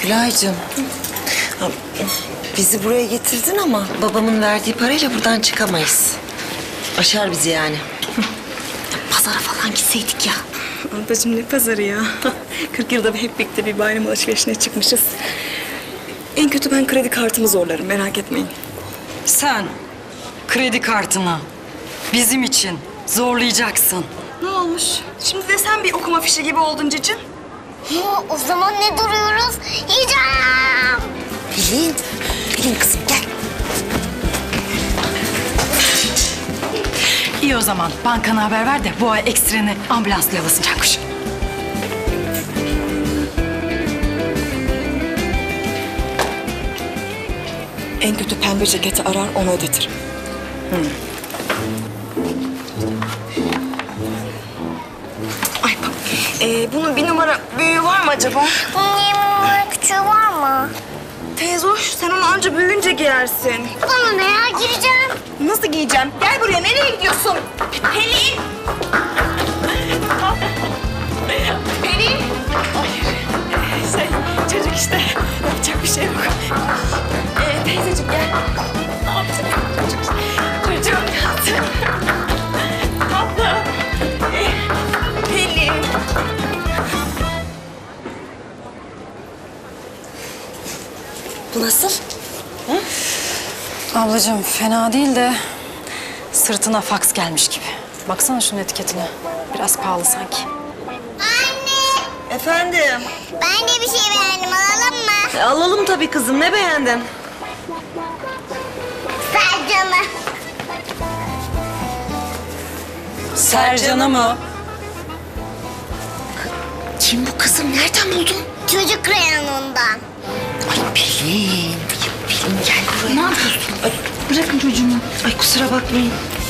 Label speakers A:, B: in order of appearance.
A: Gülaycığım. Ha, bizi buraya getirdin ama babamın verdiği parayla buradan çıkamayız. Aşar bizi yani. Pazara falan gitseydik ya.
B: Ablacığım ne pazarı ya? 40 yılda hep birlikte bir bayram alışverişine çıkmışız. En kötü ben kredi kartımı zorlarım, merak etmeyin.
C: Sen kredi kartını bizim için zorlayacaksın.
B: Ne olmuş? Şimdi de sen bir okuma fişi gibi oldun cicim.
D: O zaman ne duruyoruz? Yiyeceğim.
A: Pelin kızım gel.
C: İyi o zaman bankana haber ver de bu ay ekstreni ambulansla yollasın Cankuş.
B: En kötü pembe ceketi arar, onu ödetirim. Ay bak, bunun bir numara büyüğü var mı acaba?
D: Bunun 20 numara küçüğü var mı?
B: Teyze hoş, sen onu anca büyüyünce giyersin.
D: Bana ne ya, gireceğim.
B: Nasıl giyeceğim? Gel buraya, nereye gidiyorsun? Pelin! Pelin! Çocuk işte, yapacak bir şey yok. Teyzeciğim gel. Ne yapacak çocuk? Çocuğum yaptı. Tatlı. Pelin!
A: Bu nasıl?
C: Ablacığım fena değil de sırtına faks gelmiş gibi. Baksana şunun etiketine. Biraz pahalı sanki.
D: Anne,
A: Efendim?
D: ben de bir şey beğendim, alalım mı?
A: Alalım tabii kızım. Ne beğendin?
D: Sercan'ı.
C: Sercan'ı mı?
A: Kim bu kızım? Nereden buldun?
D: Çocuk reyonundan.
A: Ay Pelin. Pelin gel buraya. Ne yapıyorsun? Ay, bırakın çocuğumu. Ay kusura bakmayın.